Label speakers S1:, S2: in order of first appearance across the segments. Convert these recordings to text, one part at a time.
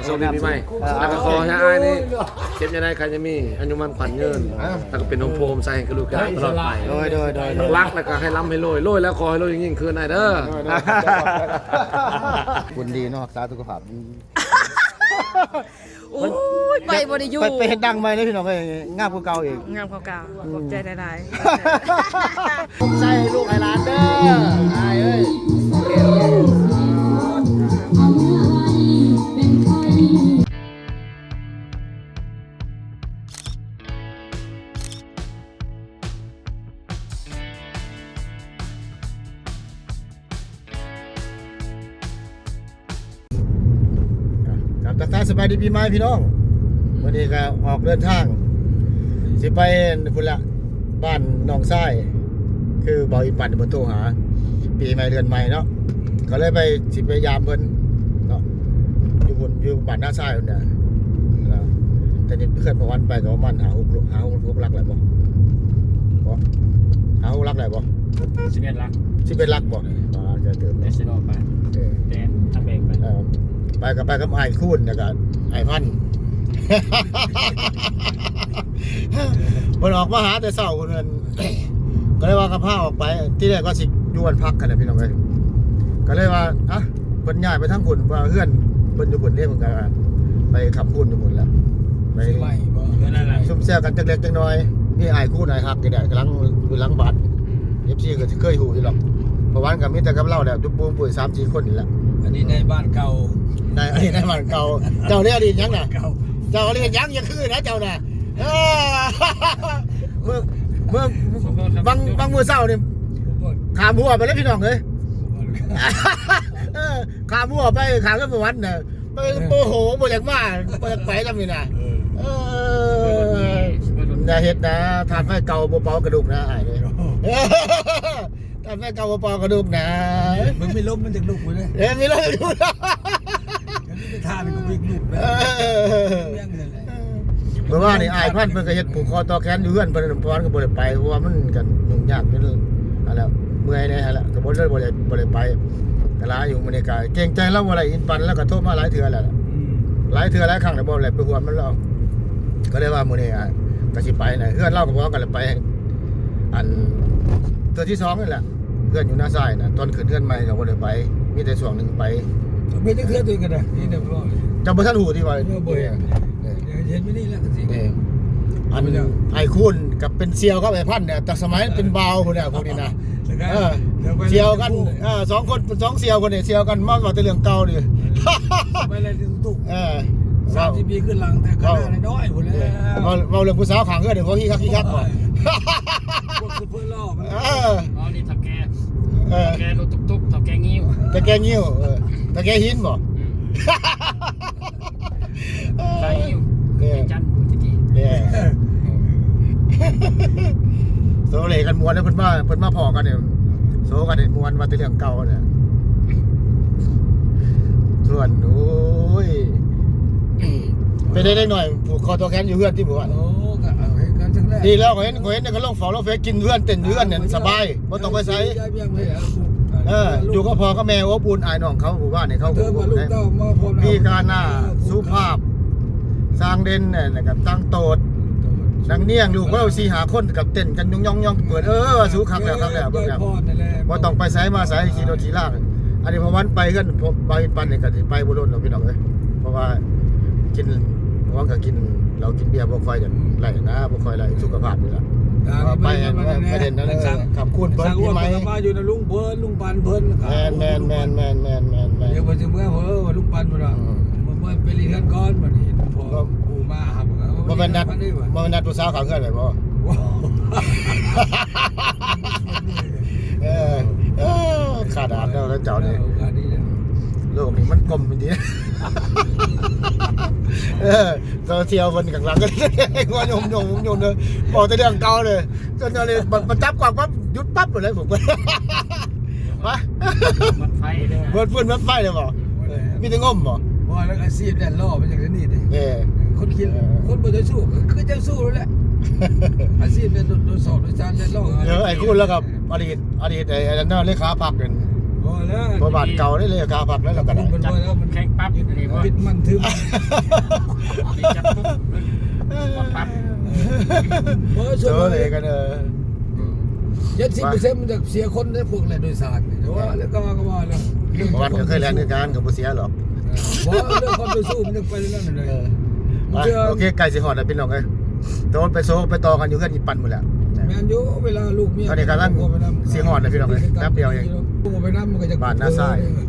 S1: โซนปีใหม่แล้วก็ขอให้อ้ายนี่เก็บยังไงใครจะมีอายุมันขวัญเงินแล้วก็เป็นโฮมโพมใส่ให้กระดูกกันตลอดไปโดยรักแล้วก็ให้ล้ำให้โรยแล้วขอให้โรยยิ่งขึ้นได้เด้อ
S2: คุณดีเนาะสาสุขภาพ
S3: โอ้ยไปบ่ได้อยู่
S2: ไปเฮ็ดดังไหมเลยพี่น้องไปงามกว่าเก่าอีก
S3: งามเก่าๆขอบใจหลาย
S2: ใส่ลูกไอ้หลานเด้อไอ้เอ้ยครับทักทายสบายดีปีใหม่พี่น้องวันนี้ก็ออกเดินทางสิไปพุ่นละบ้านหนองทรายคือบ่าวอีปั่นบนโทรหาปีใหม่เดือนใหม่เนาะก็เลยไปสิไปยามเพิ่นเนาะอยู่บ้านหน้าทรายพุ่นน่ะนะแต่นี่เคลื่อนประวันไปก็ประมาณหา6ลักแหละบ่หา6ลักแหละบ่
S4: 11 ลัก
S2: 11ลักบ่จะเติม
S4: เน
S2: เนาะ
S4: สโนไปแดนทำเองไป
S2: ไปกับไอ้คูนแล้วก็ไอ้พัน มันออกมาหาแต่เช้าคนนั้น ก็เลยว่ากับผ้าออกไปที่แรกก็สิอยู่วันพักกันนะพี่น้องเอ้ยก็เลยว่าอ่ะเพิ่นย้ายไปทั้งคนว่าเฮือนเพิ่นอยู่คนเด้เพิ่นก็ไปขับคูนอยู่หมดแล้วไป
S4: นั่นแหละ
S2: ซุ่มแซวกันจักเล็กจักน้อยนี่ไอ้คูนไอ้ฮักนี่แหละกำลังอยู่หลังบัด FC ก็สิเคยฮู้อยู่หรอกเพราะวันก็มีแต่กับเราแหละจุ๊บปุ้มปุ้ย 3-4 คนนี่แหละ
S5: อันนี้ในบ้านเก่า
S2: ได้อันนี้ได้บ้านเก่าเจ้าได้อดีตยังน่ะ
S5: เก่า
S2: เจ้าเรียนยังยังคือนะเจ้าน่ะเมื่อบางมือเศร้าเนี่ยขามหัวไปแล้วพี่น้องเลยขามหัวไปขามขึ้นไปวัดน่ะไปโมโหบ่อยากมาบ่อยากไปจำนี่น่ะอย่าเฮ็ดนะทานไฟเก่าบ่เป่ากระดูกนะอ้ายเลยทานไฟเก่าบ่เป่ากระดูกนะ
S5: มันไม่ล้มมันจะลุกเลย
S2: มีอะไรดูนะ
S5: อันนี้ไปทานมันก็วิ่งลุกเลยยังเลยแหละ
S2: เมื่อวานนี่อ้ายพันเพิ่นก็เฮ็ดผูกคอต่อแขนอยู่เฮือนเพิ่นพรก็บ่ได้ไปเพราะว่ามันกันยุ่งยากอยู่นั่นนั่นแหละเมื่อยแน่หั่นแหละก็บ่ได้ไปก็ลาอยู่มื้อนี้ก็เกรงใจเราบ่ได้อินปันแล้วก็โทรมาหลายเทื่อแล้วหลายเทื่อหลายครั้งแล้วบ่ได้ไปหวนมันแล้วก็เลยว่ามื้อนี้ก็สิไปน่ะเฮือนเราก็บ่กันเลยไปอันเทื่อที่2นี่แหละเฮือนอยู่หน้าซ้ายน่ะตอนขึ้นเฮือนใหม่ก็บ่ได้ไปมีแต่ช่วงนึงไป
S5: ไม่ได้เคลื่อนตัวกันนะนี่เดี๋ยวรอ
S2: จำบ่ทันหูที่ว่า
S5: เมื่อบ่อยเห็นไม่นี่แล้วสิ
S2: อันไอ้คุณกับเป็นเซียวกับไอ้พันเนี่ยแต่สมัยเป็นบาวคนเนี่ยพวกนี้นะเซียวกัน2 คน2เซียวคนเนี่ยเซียวกันมากกว่าแต่เรื่องเก่าดิ
S5: ไปเลยตุก30 ปีขึ้นหลังแต่ขนาดน้อยหมดแล้ว
S2: เราเรื่องผู้สาวขังเพื่อนเดี๋ยวพวกขี้คักก่อน
S5: พวกคือเพื่อนล่อมัน
S4: อ๋อนี่ถักแกรถตุ๊กถักแกงิ้ว
S2: ตะแกงิ้วตะแกหินบ่
S4: ใส่งิ้วจันทิติ
S2: เนี่ยโซเลกันมวนแล้วเพิ่นมาพอกันเนี่ยโซกันมวนว่าแต่เรื่องเก่าเนี่ยส่วนโอ้ยไปได้หน่อยผูกคอตัวแขนอยู่เพื่อนที่หมู่บ้าน
S5: โอ้ก็เอาให้กันจังแรก
S2: ดีแล้วก็เห็นก็ลงฝาลงเฟซกินเพื่อนเต้นเพื่อนเนี่ยสบายบ่ต้องไปไสอยู่ก็พอก็แม่อบอุ่นอายน้องเขาหมู่บ้านเนี่ยเขา
S5: เธอมาลูกเต้ามาพร้อม
S2: พี่การหน้าสุภาพสร้างเด่นเนี่ยนะครับตั้งโตดนังเนียงลูกเรา4-5 คนกับเต้นกันย่องเปิดสู้คักแล้วเบิ่งแล้วบ่ต้องไปไสมาไสขี่รถขี่ลากอันนี้พอวันไปกันไปปันนี่ก็สิไปบ่โดนหรอกพี่น้องเอ้ยเพราะว่ากินว่าก็กินเรากินเบียร์บ่ค่อยกันไหลนะบ่ค่อยไหลสุขภาพนี่ล่ะไปประเด็นนั้นขับคุณเพิ่นพี่ไหม
S5: มาอยู่นะลุงเพิ่นลุงปันเพิ่น
S2: แมน
S5: เดี๋ยวไปถึงเมื่อว่าลุงปันบ่ล่ะบ่ไปเรียนก่อนบัดนี้พอปู่มาครับ
S2: บ่เป็นนัดผู้สาวเขาเฮือนไว้บ่ขาดาดแล้วเจ้านี่โลกนี้มันกลมจริงโซเชียลเพิ่นข้างหลังก็ว่ายมเด้อบอกแต่เรื่องเก่าเลยจนเลยมันจับกว่าปั๊บหยุดปั๊บเลยผมวะ
S4: มัดไฟเลย
S2: เบิดฟื้นมัดไฟเลยบ่มีแต่งมบ่
S5: บ่แล้วอาชีพแดนล่อมาจากนี่ดิคนคิดคนบ่จะสู้คือจะสู้แล้วแหละอาชีพเป็นโดนสอบโดยจานแดนล่อ
S2: ไอ้คุณแล้วกับอดีตไอ้นั่นเลขาพรรคนั่น
S5: บ่แล้ว
S2: บ่บาทเก่าได้เลยกาผักแล้วเราก็ได้
S5: มันบ่แล้วมัน
S4: แข่งปั๊บอยู่นี่บ่
S5: ปิดมันทึบ
S4: มีจับปุ๊บปั๊บ
S5: บ่
S2: เจ
S5: ส่วน
S2: อเลยกัน
S5: 70%มันจะเสียคนได้พวกแล่นโดยสารแต่ว่าแล้วก็ว่าแล้ว
S2: วันก็เคยแล่นด้วยกันก็บ่เสียหรอก
S5: บ่เรื่องความไปสู้มันจะไปเรื่องนั้นเลย
S2: โอเคไก่สิฮอดแล้วพี่น้องเอ้ยโดนไปโซไปต่อกันอยู่เฮือนอีปั่นหมดแล้ว
S5: แม่นอยู่เวลาลูกเมีย
S2: ตอนนี้กำลังสิฮอดแล้วพี่น้องเอ้ยแป๊บเดียวเอง
S5: กูไปนำมันก็จะ
S2: บ้านหน้าทราย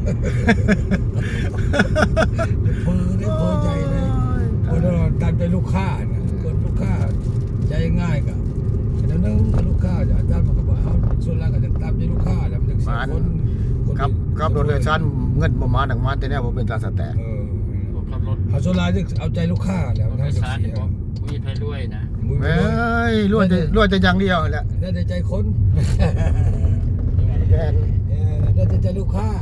S5: เพ้อได้เพ้อใจเลยคนเราการเป็นลูกค้าเนี่ยคนลูกค้าใจง่ายกับแต่นั่งลูกค้าอาจารย์บอกว่าส่วนแรกก็จะตามใจลูกค้าแล้วมันจะเสียคน
S2: ครับรถเลยชั้นเงินบ่มาดังมันแต่แน่บ่เป็นตาสแตก
S4: ขับรถ
S5: เอาส่วนแรกจะเอาใจลูกค้าแล้ว
S4: รถ
S5: ทางจะ
S4: สาร
S5: เสี
S4: นี่
S5: ย
S4: บ่มีไผรวยนะ
S2: เอ้ยรวยแต่อย่างเดียวแหละ
S5: ได้ใจคน
S2: แม่น
S5: ได้ใจลูกค้า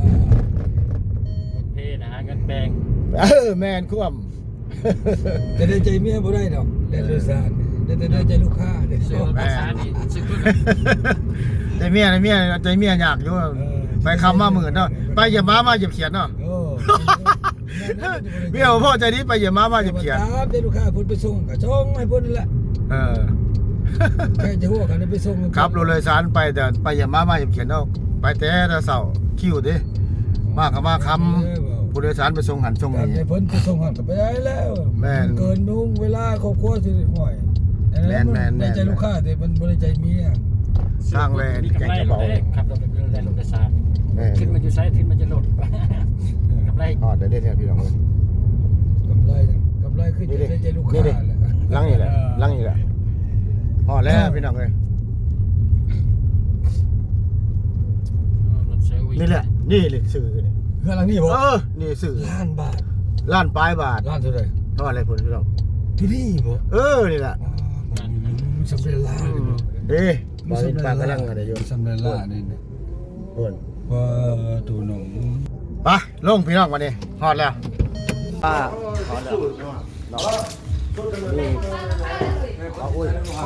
S4: เท่นะเงินแบง
S2: แม่นควม
S5: แต่ได้ใจเมียบ่ได้ดอกได้โดยสารได้ใจลูกค้าได้
S4: ซื้อรถสารนี่ซื้อรถ
S2: ใจเมียยากอยู่ไปคำมาหมื่นเนาะไปอย่ามาอย่าเขียนเนาะ
S5: โอ้
S2: เมียพ่อใจนี้ไปอย่ามาอย่าเขียน
S5: ตามใจลูกค้าพุ่นไปส่งก็ส่งให้พุ่นนั่นแหละ แค่จะหัวกันไปส่ง
S2: ครับรถเลยสารไปแต่ไปอย่ามาอย่าเขียนเนาะไปแต่เสาคิวดิมากับมาคำผู้โดยสารไปส่งหันส่ง
S5: แต่
S2: นี่
S5: เพิ่นไปส่งหันก็ไปได้แล้ว
S2: แม่น
S5: เกินมุ่งเวลาครอบครัวสิห่วย
S2: แม่น
S5: ได้ใจลูกค้าแต่มันบ่ได้ใจเมีย
S2: สร้างแวน
S4: มี
S2: แก
S4: กำ
S2: ง
S4: ไร
S2: กระ
S4: รถ
S2: เป๋า
S4: เด้ขับรถเป็นรถสารขึ้นมาอยู่ไซส์ขึ้นมาจะลดกำไร
S2: อ๋อได้เนี่ยพี่น้อง
S5: กำไรขึ้นจะได้ใจลูกค้าแหละ
S2: ลังนี่แหละอ๋อแล้วพี่น้องเลย
S4: รถเซอร์วิส
S2: นี่แหละนี่เลยสื่อนี่
S5: เพื่อนหลังนี้บ่
S2: นี่สื่อ
S5: ล้านบาท
S2: ล้านปลายบาท
S5: ล้านเท่าไหร่
S2: เท่าอะไรพุ่นพี่น้อง
S5: ที่นี่บ่
S2: นี่แหละ
S5: สำเร็จล้าน
S2: เด้บริปากกำลังอะไรอยู่
S5: สำเร็จล้านนี่
S2: พุ่น
S5: ว่าตูหนง
S2: ไปลงพี่น้องมาดิฮอดแล้วป้าฮอดแล้วนี่เอาอุ้ย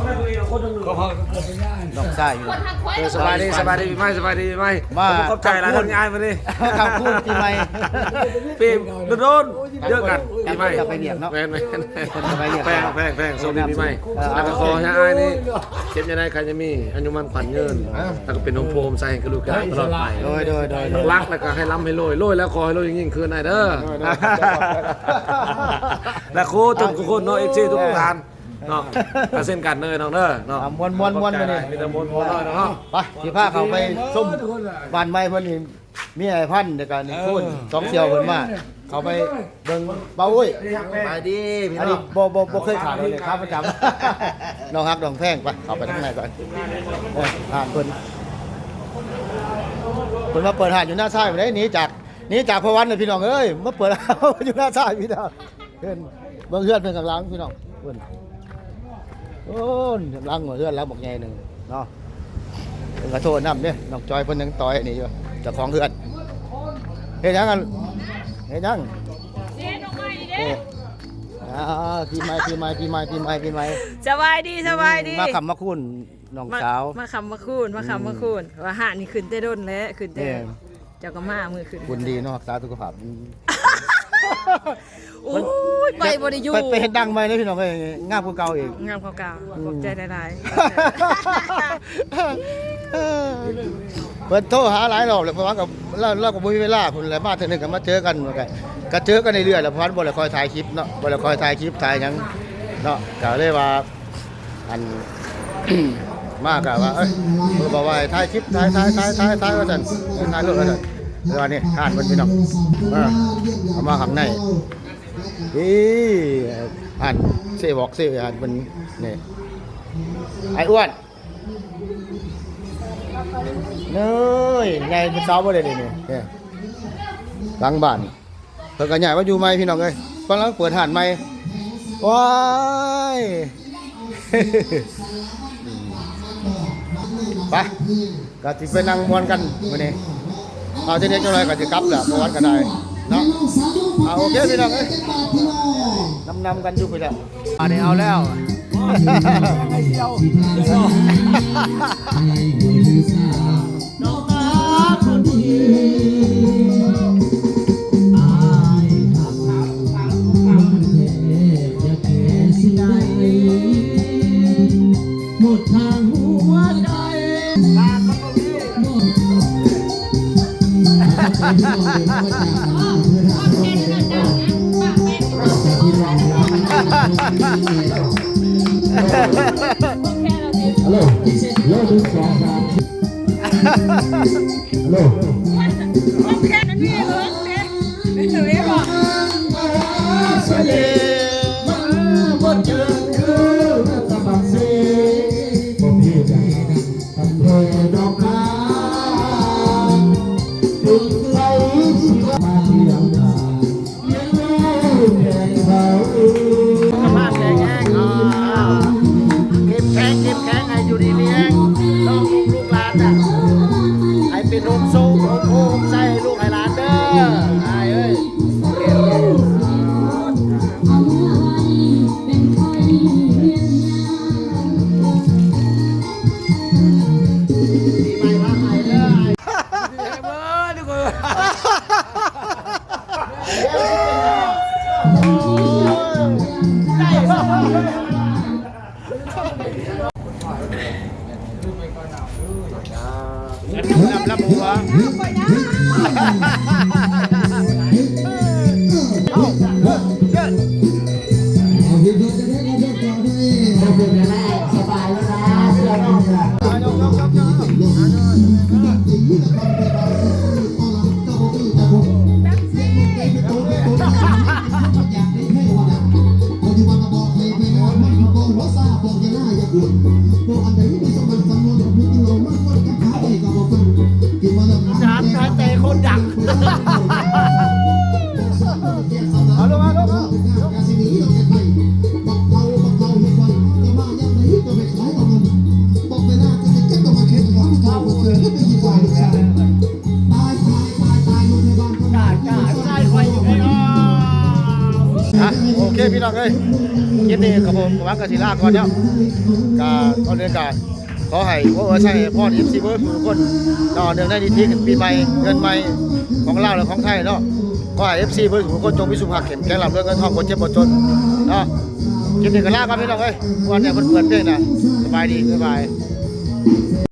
S2: น้องชายอยู่
S1: สบายดีปีใหม่ขอบใจหลายคนง่ายมาดิ
S2: คำพูดปีใหม่
S1: ปีโดนเยอะกันปีใหม่
S2: จะไปเรียกเนาะ
S1: แพง
S2: ไปเรียก
S1: แพงโซนปีใหม่แล้วก็ขอให้อ้ายนี่เจ็บยังไงใครจะมีอายุมันขวัญยืนแล้วก็เป็นองค์โพมใส่ให้กระดูกตลอดไป
S2: โดย
S1: รักแล้วก็ให้ล้ำให้โรยแล้วขอให้โรยยิ่งๆคืนหน่อยเด้อและครูทุกคนเนาะ FC ทุกท่านเนาะก็เส้นกันเด้อน้องเด้อเนาะ
S2: มวนมาดิ
S1: มีแต่มวนๆเนาะ
S2: ไปสิพาเขาไปส้มบ้านไม้เพิ่นนี่มีไอ้พันเดียวกันนี่คุณสองเสี่ยวเพิ่นมาเขาไปเบิ่งเบาอุ้ยไปดีพี่น้องบ่เคยขาดเลยครับประจำน้องฮักน้องแพงไปเข้าไปข้างในก่อนหานเพิ่นมาเปิดหาดอยู่หน้าซ้ายบ่ได้หนีจากพระวันเลยพี่น้องเอ้ยมาเปิดอยู่หน้าซ้ายพี่น้องเพิ่นเบิ่งเฮือนเพิ่นข้างหลังพี่น้องเพิ่นโอ้ยหลังเฮือนหลังบักใหญ่นึงเนาะ เพิ่นก็โทษนำเด้น้องจอยเพิ่นยังต่อยนี่อยู่เจ้าของเฮือนเฮ็ดหยังกันเฮ็ดหยังเฮ็ดออกมาดิเด้ปีใหม่
S3: สบายดี
S2: มาคำมาคุณน้องสาว
S3: มาคำมาคูนว่าหานี่ขึ้นแต่ด้นแล้วขึ้นแต่
S2: แม่
S3: เจ้าก็มามือขึ้น
S2: คุณดีเนาะสาวสุขภาพ
S3: โอ้ยไปบ่ได้อยู่
S2: ไปเฮ็ดดังใหม่เด้พี่น้องเอ้ยงามกว่าเก่าอีก
S3: งามเก่าๆขอบใจหลาย
S2: เพิ่นโทรหาหลายรอบแล้วเพราะว่ากับเราก็บ่มีเวลาพุ่นแหละมาเทื่อนึงก็มาเจอกันเหมือนกันก็เจอกันเรื่อยๆแล้วเพราะว่าบ่ได้คอยถ่ายคลิปเนาะบ่ได้คอยถ่ายคลิปถ่ายหยังเนาะก็เลยว่าอัน มากะว่าเอ้ยเพิ่นบอกว่าให้ถ่ายคลิปถ่ายว่าซั่นถ่ายรูปว่าซั่นแล้วอันนี้ทานเพิ่นพี่น้องเอามาข้างในอ่านเสบอกเสอ่านเพิ่นนี่ไอ้อ้วนเน้ยใหญ่เป็นสาวบ่ได้นี่นี่หลังบ้านเพิ่นก็ย้ายมาอยู่ใหม่พี่น้องเอ้ยกำลังเปิดห้านใหม่ว้ายไปก็สิไปนั่งม่วนกันมื้อนี้เอาทีนี้จังได๋ก็สิกลับแหละบ่วันก็ได้เนาะเอาโอเคพี่น้องเอ้ยนำกันอยู่พี่แล้วอันนี้เอาแล้วน้องนาคนดี
S6: ฮัลโหลโลดูสองครับฮัลโหล
S3: แค่นั้นนี่เลยไม่ถึงไม่บอก
S6: สวัสดีบ่เจอคือตะบังเซ่บ่มีใจทำเพดอกนาถึงไหลสิมาที่หลังคาเลี้ยงลูกแก่เขา
S2: มากแข็งแรงเก็บแข็งให้อยู่ดีมีแรงน้องลูกหลานน่ะให้เป็นโฮมโซ่โฮมใส่ลูกให้หลานเด้อไอ้เอ้ยปีใหม่มาใหม่เด้อ รับหัว จานไทยเตะคนดังเอาลงมาลงมาโอเคพี่น้องเอ้ยคลิปนี้กับผมหวังกับศิลาก่อนเนาะก็ตอนเรียนการขอให้พวกใช่พ่อFCเบิร์ดทุกคนต่อเนื่องได้ดีที่ปีใหม่เงินใหม่ของลาวและของไทยเนาะก็ให้ FC เบิร์ดทุกคนจงมีสุขภาพแข็งแรงร่ำรวยเงินทองคนเจ็บคนจนเนาะคลิปนี้ก็ลากันพี่น้องเอ้ยวันนี้เปิดเพลงนะสบายดีบ๊ายบาย